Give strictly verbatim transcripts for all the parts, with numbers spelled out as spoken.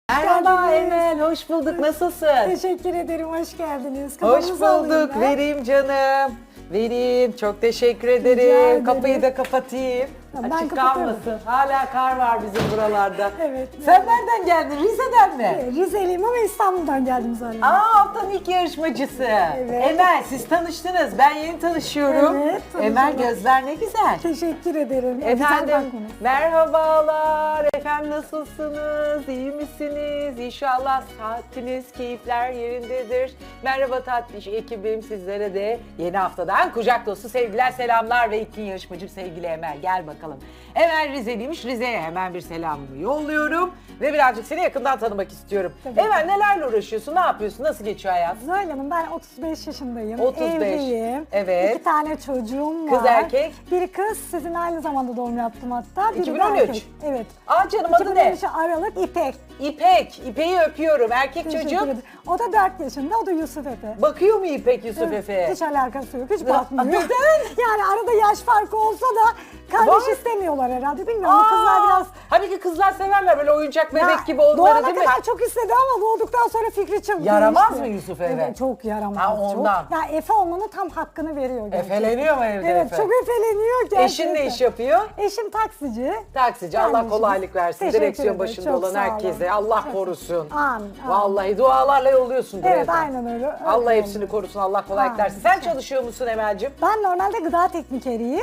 Merhaba Emel, hoş bulduk. Nasılsın? Teşekkür ederim, hoş geldiniz. Hoş Kafanızı alayım bulduk. ben. Vereyim canım. Vereyim. Çok teşekkür ederim. ederim. Kapıyı da kapatayım. Ben Açık kapatıyorum. kalmasın. Hala kar var bizim buralarda. Evet. Sen nereden geldin? Rize'den mi? Rizeliyim ama İstanbul'dan geldim zaten. Aa, haftanın ilk yarışmacısı. Emel, siz tanıştınız. Ben yeni tanışıyorum. Evet, tanışalım. Emel, gözler ne güzel. Teşekkür ederim. Güzel Efendim, bakmanız. merhabalar. Efendim nasılsınız? İyi misiniz? İnşallah saatiniz, keyifler yerindedir. Merhaba tatlış ekibim, sizlere de yeni haftadan kucak dolusu sevgiler, selamlar ve ilk gün yarışmacım sevgili Emel. Gel bakalım. Emel Rizeliymiş. Rize'ye hemen bir selamımı yolluyorum. Ve birazcık seni yakından tanımak istiyorum. Tabii. Emel, nelerle uğraşıyorsun? Ne yapıyorsun? Nasıl geçiyor hayat? Zuhal Hanım, ben otuz beş yaşındayım. otuz beş. Evliyim. Evet. İki tane çocuğum var. Kız erkek. Bir kız, sizin aynı zamanda doğum yaptım hatta. Biri iki bin de on üç. erkek. Evet. Aa canım, adı ne? iki bin on üç Aralık İpek. İpek. İpek'i öpüyorum. Erkek Teşekkür çocuk. ederim. O da dört yaşında, o da Yusuf Efe. Bakıyor mu İpek Yusuf Efe'ye? Hiç alakası yok, hiç Ya, bakmıyor. neden? Yani arada yaş farkı olsa da kardeş Var. istemiyorlar herhalde, bilmiyorum. Bu kızlar biraz... Halbuki kızlar severler böyle oyuncak bebek Ya, gibi onları, doğana değil mi? kadar çok istedi ama doğduktan sonra fikri çabuk Yaramaz değişti. mı Yusuf Efe? Evet, çok yaramaz. Ha, ondan. Çok. Ya Efe olmanın tam hakkını veriyor gerçekten. Efeleniyor mu evde Evet, Efe? çok efeleniyor gerçekten. Eşin ne iş yapıyor? Eşim taksici. Taksici. Allah Kendisi. kolaylık versin. Teşekkür Direksiyon ederim, başında çok olan sağ olun. herkese. Allah Çok- korusun. Amin, amin. Vallahi dualarla yolluyorsundur Evet, evden. aynen öyle. Allah Öyle hepsini oldu. korusun. Allah kolaylık Amin. versin. Sen çalışıyor musun Emel'cim? Ben normalde gıda teknikeriyim.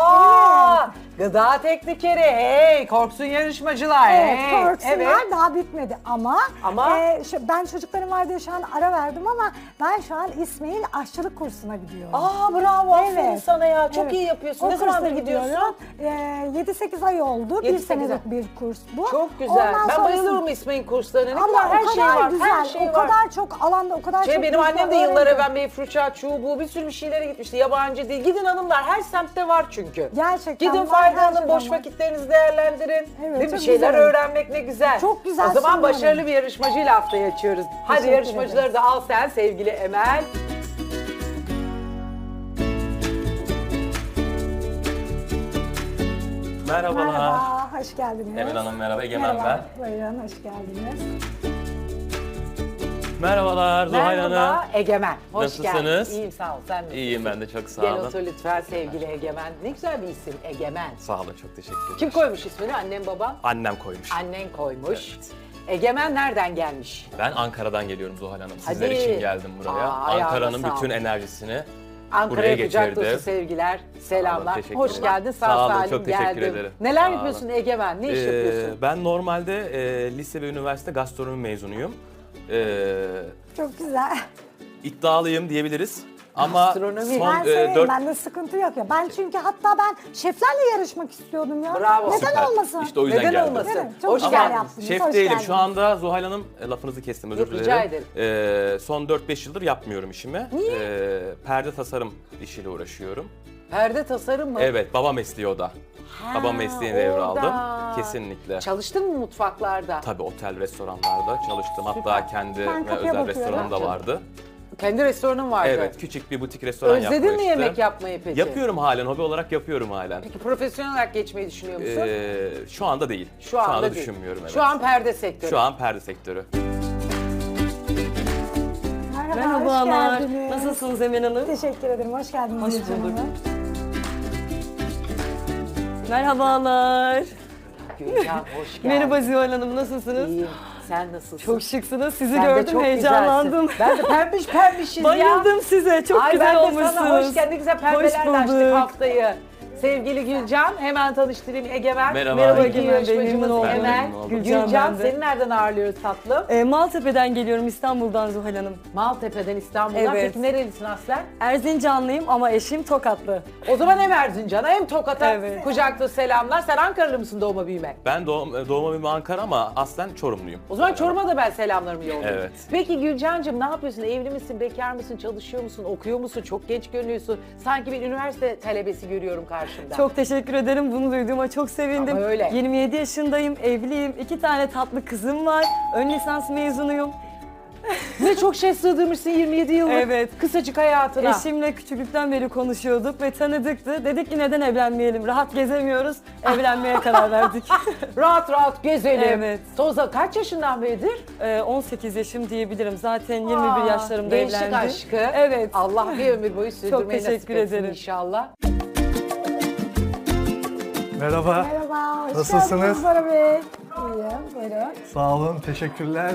Aa, gıda teknikeri. Hey, korksun yarışmacılar. Evet, hey. korksunlar, Evet. daha bitmedi ama, Ama? e, şu, ben çocuklarım var diye şu an ara verdim ama ben şu an İsmail aşçılık kursuna gidiyorum. Aa, bravo. Aferin Evet. sana ya. Çok Evet. iyi yapıyorsun. O Ne zamandır kursa gidiyorsun? gidiyorum. E, yedi sekiz ay oldu. yedi Bir sekiz senelik ay. bir kurs bu. Çok güzel. Ondan Ben sonrasında- bayılıyorum İsmail kurslarına. Ne Ama kadar her o kadar şey var. güzel, Her şey o var. kadar çok alanda, o kadar Şey, çok benim güzel annem de yıllar öğrendim. evvel Meyfruça, Çubuğu bir sürü bir şeylere gitmişti. Yabancı değil. Gidin hanımlar, her semtte var çünkü. Gerçekten Gidin var, her faydalanın, şeyden boş var. vakitlerinizi değerlendirin. Evet, Değil mi? Bir çok şeyler güzel. öğrenmek ne güzel. Çok güzel, O zaman sanıyorum. başarılı bir yarışmacıyla haftayı açıyoruz. Hadi Teşekkür yarışmacıları da al sen sevgili Emel. Merhabalar. Merhaba, hoş geldiniz. Emel Hanım merhaba, Egemen Merhaba, buyurun, hoş geldiniz. Merhabalar Zuhal Hanım. Merhaba Egemen. Hoş Nasılsınız? geldin. İyiyim, sağ ol. Sen nasılsın? İyiyim ben de, çok sağ Gel olun. otur lütfen sevgili Egemen. Ne güzel bir isim Egemen. Sağ olun, çok teşekkür ederim. Kim koymuş ismini? Annem babam? Annem koymuş. Annen koymuş. Evet. Egemen nereden gelmiş? Ben Ankara'dan geliyorum Zuhal Hanım. Sizler Hadi. için geldim buraya. Aa, ayağına Ankara'nın sağlık. bütün enerjisini Ankara'ya buraya kucak getirdim. dolusu sevgiler, selamlar. teşekkür Hoş ederim. geldin, sağ, Sağ olun, salim çok teşekkür geldin. ederim. Neler Sağ yapıyorsun olun. Egemen? Ne iş Ee, yapıyorsun? Ben normalde e, lise ve üniversite gastronomi mezunuyum. Ee, Çok güzel. iddialıyım diyebiliriz. Ama Gastronomi. son Ben e, severim, dört... bende sıkıntı yok ya. Ben çünkü hatta ben şeflerle yarışmak istiyordum ya. Bravo. Neden Süper. olmasın? İşte o yüzden Neden geldim. olmasın? Değil mi? Çok Hoş güzel geldin. yaptınız. Şef hoş değilim. geldiniz. Şu anda Zuhal Hanım, e, lafınızı kestim, özür Yok, rica dilerim. ederim. Ee, son dört beş yıldır yapmıyorum işimi. Niye? Ee, perde tasarım işiyle uğraşıyorum. Perde tasarım mı? Evet, baba mesleği o da. Ha, Baba mesleğini devraldım. orada. Kesinlikle. Çalıştın mı mutfaklarda? Tabii otel, restoranlarda çalıştım. Hatta kendi Ben ve kapıya özel bakıyorum. restoranım da vardı. Kendi restoranın vardı. Evet, küçük bir butik restoran Özledin mi yapmıştım. yemek yapmayı peki? Yapıyorum halen, hobi olarak yapıyorum halen. Peki profesyonel olarak geçmeyi düşünüyor musun? Ee, şu anda değil. Şu anda değil. düşünmüyorum, evet. Şu an perde sektörü. Şu an perde sektörü. Merhaba, Merhabalar. hoş geldiniz. Nasılsınız Emel Hanım? Teşekkür ederim, hoş geldiniz. Hoş Gülcan bulduk. Hanım. Merhabalar. Gülcan hoş geldin. Merhaba Zuhal Hanım, nasılsınız? İyiyim. Sen nasılsın? Çok şıksınız. Sizi Sen de gördüm, çok heyecanlandım. güzelsin. Ben de pembiş pembişiz ya. Bayıldım size. Çok Ay, güzel ben de olmuşsunuz. sana hoş geldin. Ne güzel pembelerle Hoş açtık bulduk. haftayı. Sevgili Gülcan, hemen tanıştırayım Egemen. Merhaba. Merhaba İki Egemen Bey, yarışmacımız memnun oldum. Emel. Memnun oldum. Gülcan, Gülcan ben de. seni nereden ağırlıyoruz tatlım? Ee, Maltepe'den geliyorum, İstanbul'dan Zuhal Hanım. Maltepe'den, İstanbul'dan. Evet. Peki nerelisin aslen? Erzincanlıyım ama eşim Tokatlı. O zaman hem Erzincan'a hem Tokat'a Evet. kucaklı selamlar. Sen Ankaralı mısın doğma büyüme? Ben doğum, doğma büyüme Ankara ama aslen Çorumluyum. O zaman Çorum'a da ben selamlarımı yolluyorum. Evet. Peki Gülcan'cığım ne yapıyorsun? Evli misin, bekar mısın, çalışıyor musun, okuyor musun? Çok genç görünüyorsun. Sanki bir üniversite talebesi görüyorum karşımda. Çok teşekkür ederim. Bunu duyduğuma çok sevindim. Ama öyle. yirmi yedi yaşındayım, evliyim. İki tane tatlı kızım var. Ön lisans mezunuyum. Ne çok şey sığdırmışsın yirmi yedi yıllık Evet. kısacık hayatına. Eşimle küçüklükten beri konuşuyorduk ve tanıdıktı. Dedik ki neden evlenmeyelim? Rahat gezemiyoruz. Evlenmeye karar verdik. Rahat rahat gezelim. Evet. Toza kaç yaşından beridir? Ee, on sekiz yaşım diyebilirim. Zaten yirmi bir Aa, yaşlarımda gençlik evlendim. aşkı. Evet. Allah bir ömür boyu sürdürmeyi teşekkür nasip etsin ederim. inşallah. Merhaba. Merhaba, hoş Nasılsınız? geldiniz Bora Bey. İyiyim, buyurun. Sağ olun, teşekkürler.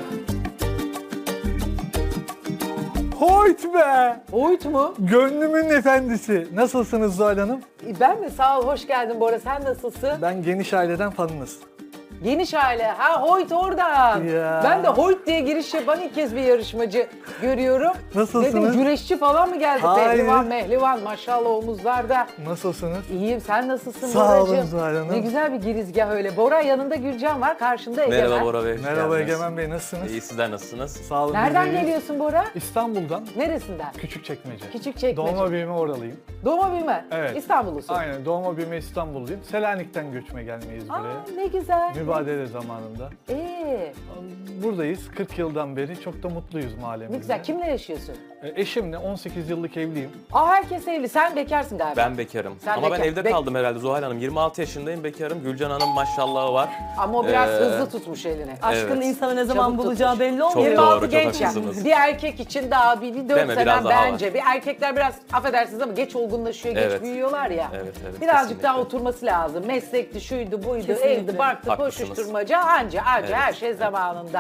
Hoyt be! Oyut mu? Gönlümün efendisi. Nasılsınız Zuhal Hanım? Ben mi? Sağ ol, hoş geldin Bora. Sen nasılsın? Ben geniş aileden fanınız. Geniş aile. Ha Hoyt oradan. Ya. Ben de Hoyt diye giriş yapan ilk kez bir yarışmacı görüyorum. Nasılsınız? Dedim güreşçi falan mı geldi? Hayır. Pehlivan mehlivan maşallah omuzlarda. Nasılsınız? İyiyim, sen nasılsın Sağ olun Boracığım? Zuhal Hanım. Ne güzel bir girizgah öyle. Bora yanında Gülcan var, karşında Egemen. Merhaba Bora Bey. hoş Merhaba geldiniz. Egemen Bey, nasılsınız? İyi, sizler nasılsınız? Sağ olun. Nereden biz de iyiyiz. geliyorsun Bora? İstanbul'dan, Neresinden? Küçükçekmece. Küçükçekmece. Doğma büyüme oralıyım. Doğma büyüme. Evet. İstanbullusun. Aynen, doğma büyüme İstanbulluyum. Selanik'ten göçme gelmeyiz buraya. Aa, ne güzel. Mübadele zamanında. Ee, Buradayız, kırk yıldan beri. Çok da mutluyuz mahallemizde. ne güzel. Kimle yaşıyorsun? E, Eşimle on sekiz yıllık evliyim. Aa, herkes evli. Sen bekarsın galiba. Ben bekarım. Sen Ama bekar- ben evde bek- kaldım herhalde Zuhal Hanım. yirmi altı yaşındayım, bekarım. Gülcan Hanım maşallahı var. Ama o biraz Ee, hızlı tutmuş elini. Aşkın Evet. insanı ne zaman Çabuk bulacağı tutmuş. belli Çok olmuyor. yirmi altı doğru, çok genç ya. haklısınız. Bir erkek için daha bir, bir dört Değil mi? sene Biraz daha bence. Bir erkekler biraz affedersiniz ama geç olgunlaşıyor, geç Evet. büyüyorlar ya. Evet, evet, Birazcık kesinlikle. daha oturması lazım. Meslekti, şuydu, buydu, Kesinlikle. evdi, barktı, Haklısınız. koşuşturmaca anca anca Evet. her şey zamanında.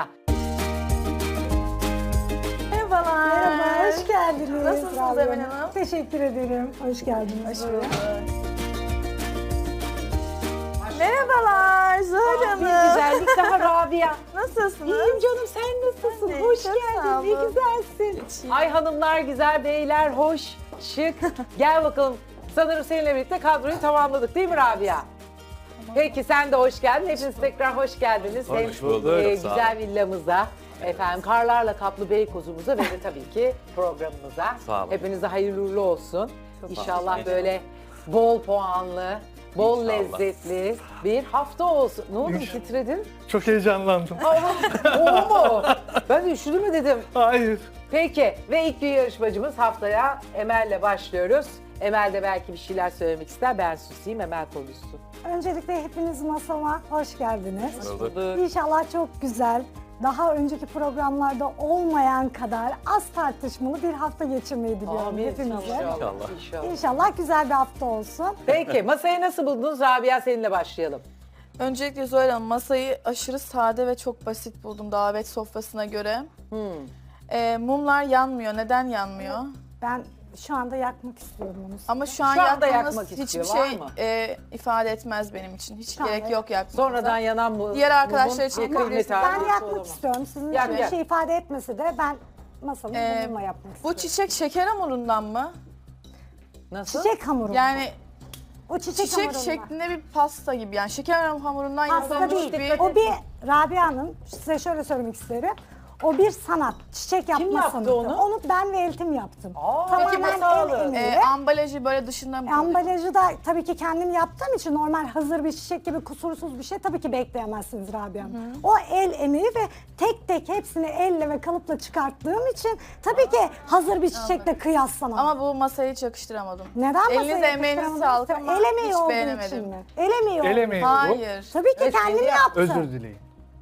Merhabalar. Merhaba, hoş geldiniz. Nasılsınız Emel Hanım? Teşekkür ederim, hoş geldiniz. Hoş Merhabalar Zuhal Bir Hanım. güzellik daha Rabia. Nasılsınız? İyiyim canım, sen nasılsın? Ben de, Hoş çok geldin, sağ ne olun. güzelsin. Ay hanımlar güzel, beyler hoş, şık. Gel bakalım. Sanırım seninle birlikte kadroyu tamamladık değil mi Rabia? Peki sen de hoş geldin. Hepiniz tekrar hoş geldiniz. Hoş Hem, bulduk, e, sağ güzel villamıza, efendim karlarla kaplı Beykoz'umuza ve de tabii ki programımıza. Sağ olun. Hepinize hayırlı uğurlu olsun. Çok İnşallah teşekkür böyle bol puanlı, bol İnşallah. lezzetli bir hafta olsun. Ne oldu İnşallah. titredin? Çok heyecanlandım. O mu? Ben de üşüdü mü dedim. Hayır. Peki ve ilk bir yarışmacımız haftaya Emel'le başlıyoruz. Emel de belki bir şeyler söylemek ister. Ben susayım, Emel konuşsun. Öncelikle hepiniz masama hoş geldiniz. Bulduk. İnşallah çok güzel, daha önceki programlarda olmayan kadar az tartışmalı bir hafta geçirmeyi diliyorum hepimize. İnşallah. İnşallah. İnşallah. İnşallah güzel bir hafta olsun. Peki masayı nasıl buldunuz? Rabia seninle başlayalım. Öncelikle Zuhal Hanım masayı aşırı sade ve çok basit buldum davet sofrasına göre. Hmm. Ee, mumlar yanmıyor. Neden yanmıyor? Ben şu anda yakmak istiyorum onu. Ama şu an Şu anda yakmanız yakmak hiçbir istiyor, var şey mı? e, ifade etmez benim için. Hiç Tamam, gerek evet. yok yakmanıza. Sonradan yanan mı? Diğer arkadaşlar için mumun bir yakabilirsiniz. kıymeti Ben arası yakmak olamaz. istiyorum. Sizin Yak, için bir yak. şey ifade etmese de ben masamı Ee, bununla yapmak Bu istiyorum. çiçek şeker hamurundan mı? Nasıl? Çiçek hamuru. Yani o çiçek, çiçek hamurundan. şeklinde bir pasta gibi. Yani şeker hamurundan Pasta yapılmış değil. bir... O bir Rabia Hanım, size şöyle söylemek isterim. O bir sanat, çiçek yapma yaptı sanatı. onu? Onu ben ve eltim yaptım. Aa, Tamamen peki el masalı. emeği. E, ambalajı böyle dışından mı? Ambalajı da tabii ki kendim yaptığım için normal hazır bir çiçek gibi kusursuz bir şey tabii ki bekleyemezsiniz Rabia Hanım. O el emeği ve tek tek hepsini elle ve kalıpla çıkarttığım için tabii ki hazır bir çiçekle kıyaslamam. Ama bu masaya hiç yakıştıramadım. Neden masaya Elinize emeğinize yakıştıramadınız? sağlık ama El emeği hiç olduğu beğenemedim. için mi? El emeği olduğu El emeği mi bu? Hayır. Tabii ki Evet, kendim kendi yaptım. Özür dileyin.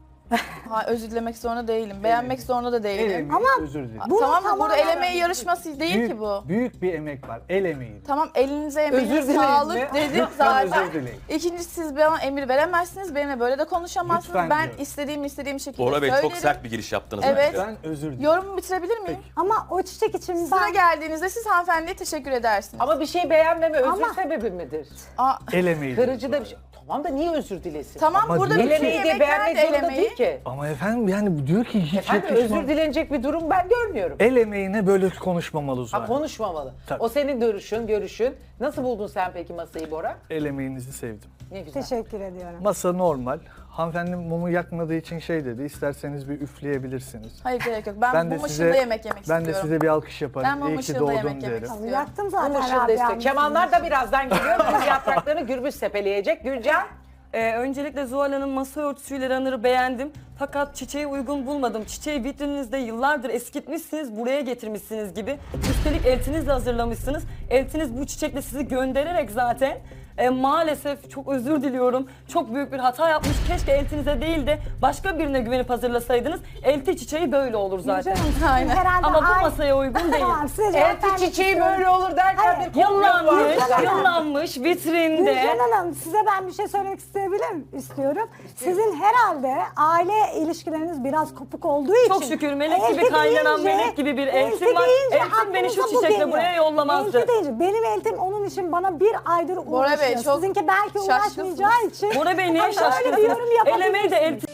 Ha, özür dilemek zorunda değilim. Beğenmek zorunda da El değilim. emeği, Ama özür dileyin. Bunu Tamam mı? Burada tamamen- el emeği yarışması değil büyük, ki bu. Büyük bir emek var. El emeği. Tamam elinize Özür emeğinize dileyin sağlık mi? dedim Lütfen zaten. özür dileyin. İkincisi siz bana emir veremezsiniz. Benimle böyle de konuşamazsınız. Lütfen ben diyorum. istediğim istediğim şekilde Bora Bey söylerim. çok sert bir giriş yaptınız Evet. bence. Ben özür dilerim. Yorumumu bitirebilir miyim? Peki. Ama o çiçek için Sıra ben... geldiğinizde siz hanımefendiye teşekkür edersiniz. Ama bir şey beğenmeme özür Ama- sebebi midir? Aa, El emeği. Kırıcı da bir şey. Tamam da niye özür dilesin? tamam Ama burada diyor bütün ki- Elemeyi diye yemekler beğenmek de el zorunda emeği. değil ki. Ama efendim yani diyor ki hiç Efendim yakışmaz. özür dilenecek bir durum ben görmüyorum. El emeğine böyle konuşmamalı Ha, Zuhal. konuşmamalı. Tabii. O senin görüşün, görüşün. Nasıl buldun sen peki masayı Bora? El emeğinizi sevdim. Ne güzel. Teşekkür ediyorum. Masa normal. Hanımefendi mumu yakmadığı için şey dedi. İsterseniz bir üfleyebilirsiniz. Hayır gerek yok. Ben, Ben de mum size ışığında yemek yemek ben istiyorum. de size bir alkış yaparım. Ben mum İyi ki ışığında doğdun yemek yemek derim. istiyorum. Tabii yaktım Bu zaten ışıl Rabia destek. Hanım. Kemanlar da birazdan geliyor. Kız yapraklarını gürbüz sepeleyecek. Gülcan. Ee, öncelikle Zuhal Hanım masa örtüsüyle runner'ı beğendim. Fakat çiçeği uygun bulmadım. Çiçeği vitrininizde yıllardır eskitmişsiniz, buraya getirmişsiniz gibi. Üstelik eltiniz de hazırlamışsınız. Eltiniz bu çiçekle sizi göndererek zaten e, maalesef çok özür diliyorum. Çok büyük bir hata yapmış. Keşke eltinize değil de başka birine güvenip hazırlasaydınız. Elti çiçeği böyle olur zaten. Canım, sizin Aynen. herhalde Ama bu ay- masaya uygun değil. Tamam, size cevap Elti vermek çiçeği istiyorum. böyle olur derken Hayır, bir komplo var. Yıllanmış, Gülcan Hanım. yıllanmış vitrinde. Gülcan Hanım, size ben bir şey söylemek isteyebilir istiyorum. Sizin herhalde aile ilişkileriniz biraz kopuk olduğu için. Çok şükür melek gibi elti kaynanan deyince- melek gibi bir elti eltim var. deyince Eltim beni şu aklınıza bu çiçekle geliyor. buraya yollamazdı. Elti deyince benim eltim onun için bana bir aydır uğraşıyor. Bey, çok Sizinki belki şaşkınsınız. uğraşmayacağı için. Bora Bey niye Hani öyle bir şaşkınsınız? yorum Elemeyi de yapabilirsiniz. elti